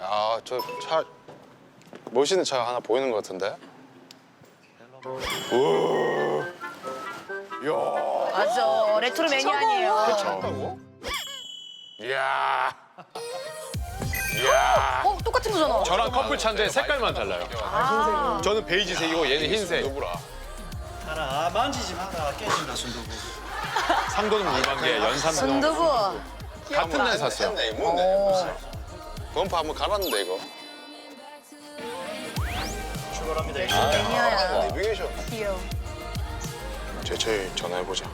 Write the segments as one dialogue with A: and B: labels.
A: 아, 저 차 멋있는 차가 하나 보이는 것 같은데? 우와. 이야.
B: 맞아. 레트로 매니아니에요.
A: 괜찮다고? 이야. 이야.
B: 똑같은 거잖아.
C: 저랑 커플 차인데 색깔만 달라요.
B: 아.
C: 저는 베이지색이고 얘는 흰색.
A: 누구라?
D: 알아, 만지지 마라. 깨진다, 순두부.
C: 상도는 물방개, 연산동.
B: 순두부.
C: 같은 날 샀어요.
A: 했네, 뭐네. 범퍼 한번 갈았는데 이거.
D: 출발합니다.
B: 매니아야.
A: 내비게이션.
B: 귀여워.
A: 제철 전화해보자.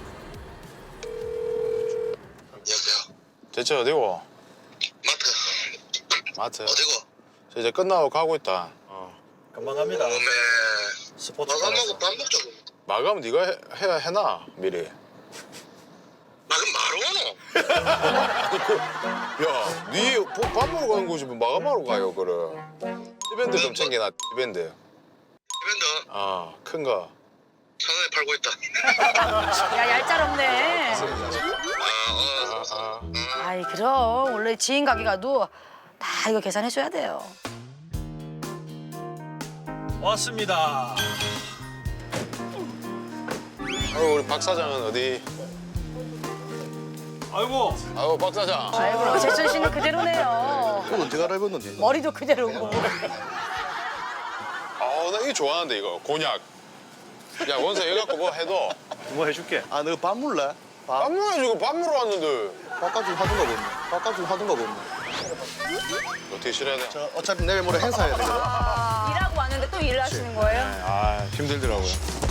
A: 제철 어디고? 마트.
E: 어디고?
A: 저 이제 끝나고 가고 있다.
D: 금방 갑니다.
E: 오메
D: 스포츠
E: 마감하고 밥 먹자고.
A: 마감 네가 해놔 미리.
E: 마감 바로 오노?
A: 야, 네밥 먹으러 가는 곳이 뭐 마감하러 가요, 그래. 티밴드 좀 챙겨놔, 티밴드.
E: 이벤트
A: 큰 거.
E: 천원에 팔고 있다.
B: 야, 얄짤없네.
E: 아,
B: 아이, 그럼. 원래 지인 가게 가도 다 이거 계산해줘야 돼요.
D: 왔습니다.
A: 우리 박 사장은 어디?
D: 아이고,
A: 박 사장.
B: 아이고, 제철 씨는 그대로네요.
F: 그건 언제 갈아입었는데?
B: 머리도 그대로고.
A: 나 이거 좋아하는데, 이거. 곤약. 야, 원서 이거 갖고 뭐 해도.
D: 뭐 해줄게.
F: 아, 너 밥 물래? 밥?
A: 밥 먹어야지, 밥 먹으러 왔는데.
F: 밥값 좀 하던가 보네. 밥값 좀 하던가 보네.
A: 어떻게 싫어야 돼?
F: 저 어차피 내일 모레 행사해야 되거든.
B: 일하고 왔는데 또 일을 하시는 거예요?
C: 아, 힘들더라고요.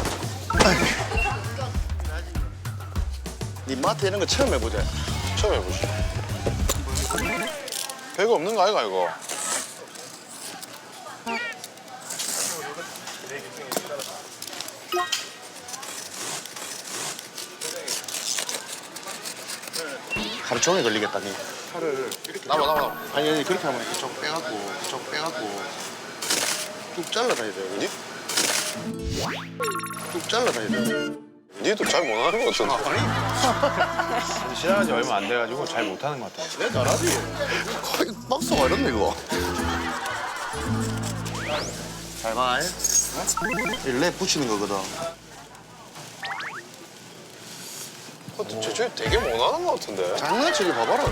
F: 네 마트 이런 거 처음 해보자.
A: 처음 해보시죠. 별거 없는 거 아이가, 이거?
F: 하루 종일 걸리겠다, 니.
A: 나봐.
F: 아니, 그렇게 하면 이쪽 빼갖고 쭉 잘라다야 돼.
A: 니?
F: 쭉 잘라다야 돼.
A: 니도 잘 못하는 거 같은데.
C: 시작한 지 얼마 안 돼가지고 잘 못하는 것 같아요.
F: 내 잘하지. 거의 박스가 이렇네, 이거. 잘 봐, 랩 붙이는 거거든.
A: 저 되게 못하는 거 같은데.
F: 장난치기 봐봐라.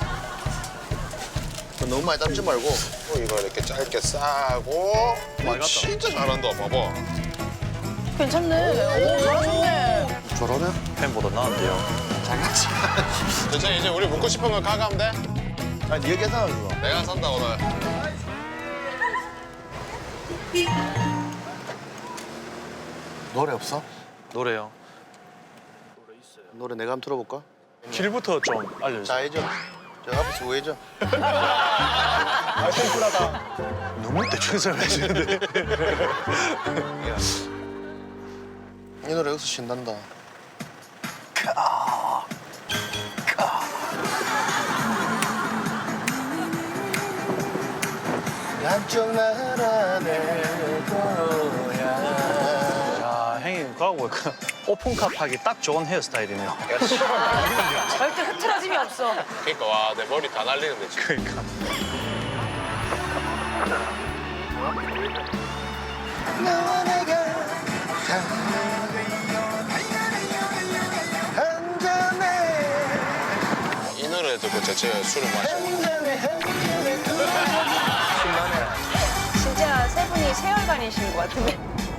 F: 너무 많이 담지 말고.
A: 이거 이렇게 짧게 싸고. 진짜 잘한다, 봐봐.
B: 괜찮네. 오, 잘하셨네.
F: 저러네?
D: 팬보다 나은데요.
F: 장난치.
A: 괜찮아, 이제 우리 먹고 싶은 거 가가면 돼?
F: 아니, 네 계산하는 거.
A: 내가 산다, 오늘.
F: 노래 없어?
D: 노래요.
F: 노래 내가 한번 틀어볼까?
D: 길부터 좀 알려주세요.
F: 자, 해줘. 저 앞에서 우회죠.
D: 너무 대충 설명해주는데.
F: 이 노래 여기서 신난다. 남쪽 나라 내 거야.
D: 야, 형님 그하고 보니까 오픈카 타기 딱 좋은 헤어스타일이네요.
B: 절대 흐트러짐이 없어.
A: 그러니까 와, 내 머리 다 날리는데 지금.
D: 그러니까.
F: 너와 내가
A: 이 노래 듣고 제가 술을 마셔.
B: 진짜 세 분이 세월간이신 것 같은데.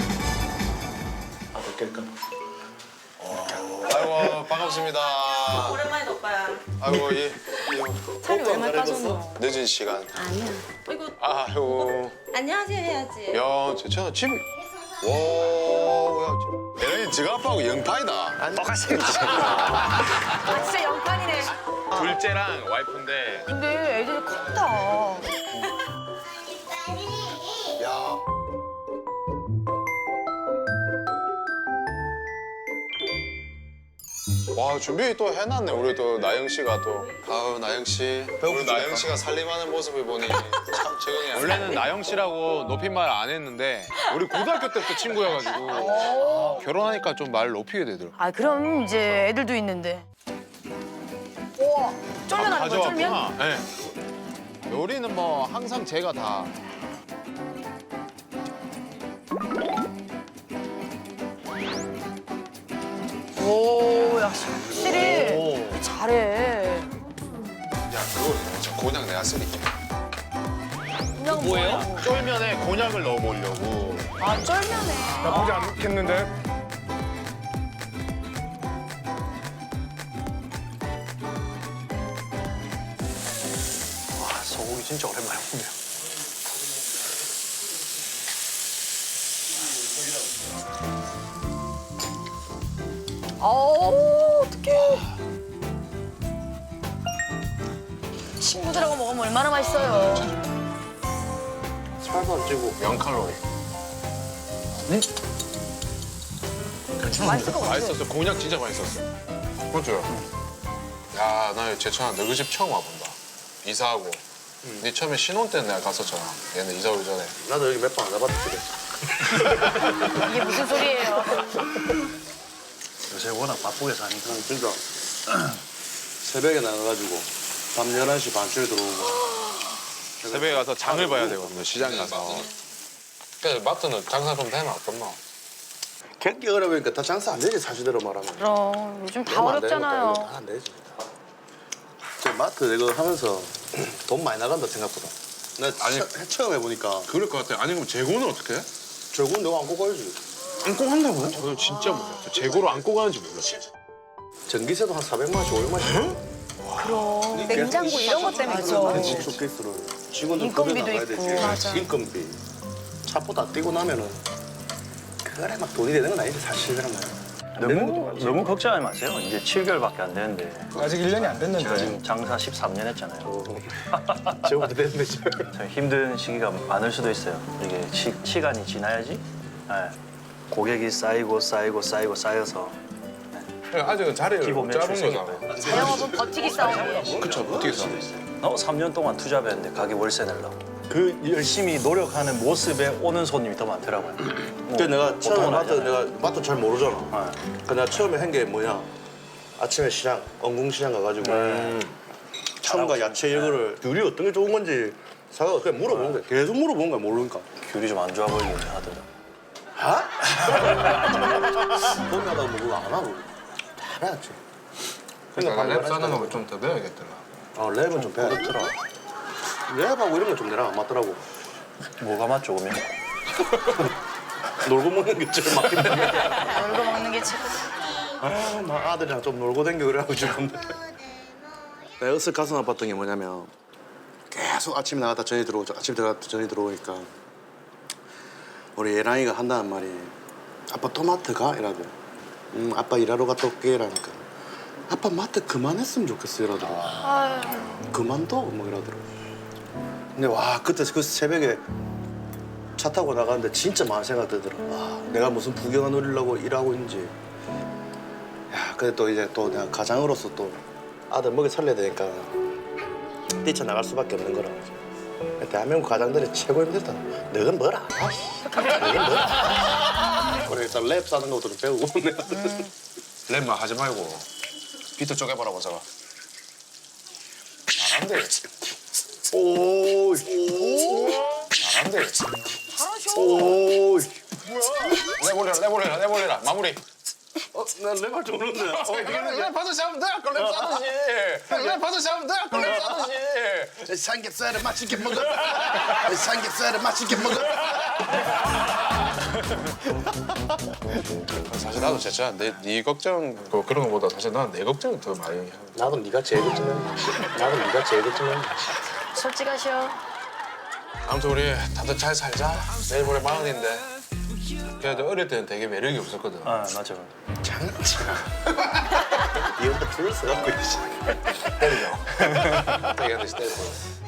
A: 아이고, 반갑습니다.
G: 오랜만에 오빠야.
A: 아이고,
G: 살이 왜 많이 빠졌노?
A: 늦은 시간.
G: 아니야. 어이구,
A: 아이고.
G: 안녕하세요 해야지.
A: 야, 제천아 집. 와, 야, 얘네 지가 아빠하고 영파이다.
C: 똑같이
B: 아, 진짜 영판이네.
C: 둘째랑 와이프인데
B: 근데 애들이 컸다.
A: 야. 와, 준비 또 해놨네. 우리 또 나영 씨가 또. 아우, 나영 씨. 우리 나영 씨가 살림하는 모습을 보니 참 적응이 안 돼.
C: 원래는 나영 씨라고 높임말 안 했는데 우리 고등학교 때부터 친구여가지고 결혼하니까 좀 말 높이게 되더라고.
B: 아, 그럼 이제 애들도 있는데. 우와, 쫄면 하는 거야, 쫄면?
C: 네. 요리는 뭐 항상 제가 다.
B: 오, 야, 확실히 잘해.
A: 야 그거 저 곤약 내가 쓸게.
B: 그냥 뭐예요?
F: 쫄면에 곤약을 넣어보려고.
B: 아, 쫄면에.
H: 나쁘지 않겠는데?
D: 와, 소고기 진짜 오랜만에 먹네요.
B: 어떡해. 친구들하고 먹으면 얼마나 맛있어요.
F: 살도 안 찌고.
A: 0칼로리.
B: 맛있을 것 같아.
C: 맛있었어. 곤약 진짜 맛있었어.
A: 그렇죠. 야, 나 제천아 너희 집 처음 와본다. 이사하고. 네 처음에 신혼 때 내가 갔었잖아. 얘는 이사 오기 전에.
F: 나도 여기 몇 번 안 와봤지.
B: 이게 무슨 소리예요?
D: 요새 워낙 바쁘게 사니까.
F: 진짜. 새벽에 나가가지고 밤 11시 반쯤에 들어오고.
C: 새벽에 가서 장을 봐야 되거든요. 시장 가서.
A: 그래 마트는 장사 좀 되면 어떻나?
F: 경기 어려우니까 다 장사 안 되지 사실대로 말하면.
B: 그럼 요즘 다
F: 그러면 안 되는
B: 어렵잖아요.
F: 것도 아니고 안 되지. 저 마트 이거 하면서 돈 많이 나간다 생각보다. 나 처음 해보니까
A: 그럴 것 같아. 아니 그럼 재고는 어떻게 해?
F: 결국은 내가 안고 가야지.
A: 안고 한다고요?
C: 저는 진짜 몰랐어요. 재고로 안고 가는지 몰랐어요.
F: 전기세도 한 400만 원씩 500만 원씩.
B: 그럼 냉장고 이런 것 때문에 그런
F: 집
B: 거지.
F: 쇼케이스를 직원들
B: 인건비도
F: 급여 나가야
B: 있고.
F: 되지.
B: 맞아.
F: 인건비. 차보다 뛰고 나면은 그래 막 돈이 되는 건 아니지 사실은.
D: 너무 걱정하지 마세요. 이제 7개월밖에 안 되는데.
H: 아직 1년이 안
D: 제가
H: 됐는데.
D: 지금 장사 13년 했잖아요.
F: 저보다 됐는데 지금.
D: 참 힘든 시기가 많을 수도 있어요. 이게 시간이 지나야지 고객이 쌓여서
C: 아직은 자리를
D: 기본
C: 못
D: 매출
C: 잡은
D: 생길
C: 거잖아.
D: 거예요.
B: 자영업은 버티기 싸움이에요.
C: 그쵸, 어떻게 사?
D: 3년 동안 투잡했는데 가게 월세 내려고. 그 열심히 노력하는 모습에 오는 손님이 더 많더라고요.
F: 근데 내가 처음에
D: 보통은
F: 마트
D: 아니잖아요.
F: 내가 마트 잘 모르잖아.
D: 네.
F: 그 내가 처음에 한 게 뭐냐? 아침에 시장 언궁시장 가가지고 청과 야채 이거를 귤이 어떤 게 좋은 건지 사가 그냥 물어보는 거야. 계속 물어보는 거야 모르니까.
D: 귤이 좀 안 좋아 보이긴 하더라고요.
F: 아? 봄에 하다가 뭐 그거 안 하고 다 해야지.
A: 그러니까 랩 싸는 거 좀 더 배워야겠더라.
F: 랩은 좀 배야 돼. 랩하고 이런 건 좀 내랑 안 맞더라고.
D: 뭐가 맞죠, 그러면?
F: 놀고 먹는 게 제일 맞긴 해.
B: 놀고 먹는 게 최고.
F: 아, 나 아들이랑 좀 놀고 댕겨 그래가지고 싶은데. 내가 으쓱 가슴 아팠던 게 뭐냐면 계속 아침에 나갔다 전이 들어오죠. 아침에 들어갔다 전이 들어오니까 우리 예랑이가 한다는 말이 아빠 또 마트 가? 이러더라고. 아빠 일하러 갔다 올게 이러니까 아빠 마트 그만했으면 좋겠어 이러더라고. 그만둬? 뭐 이러더라고. 근데 와 그때 그 새벽에 차 타고 나가는데 진짜 많은 생각 들더라고. 와 내가 무슨 부경화 누리려고 일하고 있는지. 야 근데 또 이제 또 내가 가장으로서 또 아들 먹여 살려야 되니까 뛰쳐나갈 수밖에 없는 거라. 대한민국 가장들이 최고 힘들다. 너는 뭘 알아? 너는 뭘 알아? 그래 일단 랩 사는 것도 좀 배우고 내가.
A: 랩만 하지 말고 비트 쪼개봐라 보자가. 잘한대.
F: 오.
A: 잘한대.
F: 오.
A: 내보내라. 마무리.
F: 난 랩할 줄 모르는데.
A: 랩 받으시면 돼. 아까 랩 싸듯이. 랩 받으시면 돼. 아까 랩 싸듯이.
F: 삼겹살을 맛있게 먹어. 삼겹살을 맛있게 먹어.
A: 사실 나도 진짜 네 걱정 그런 거보다 사실 난 내 걱정이 더 많이 해.
F: 나도 네가 제일 걱정해. 나도 네가 제일 걱정해.
B: 솔직하셔.
A: 아무튼 우리 다들 잘 살자. 내일 모레 40인데. 그래도 어릴 때는 되게 매력이 없었거든.
D: 아, 맞아.
F: 장난치나. 이 혼자 불을 써갖고 있지.
A: 때리죠. 되게 하듯이 때리고.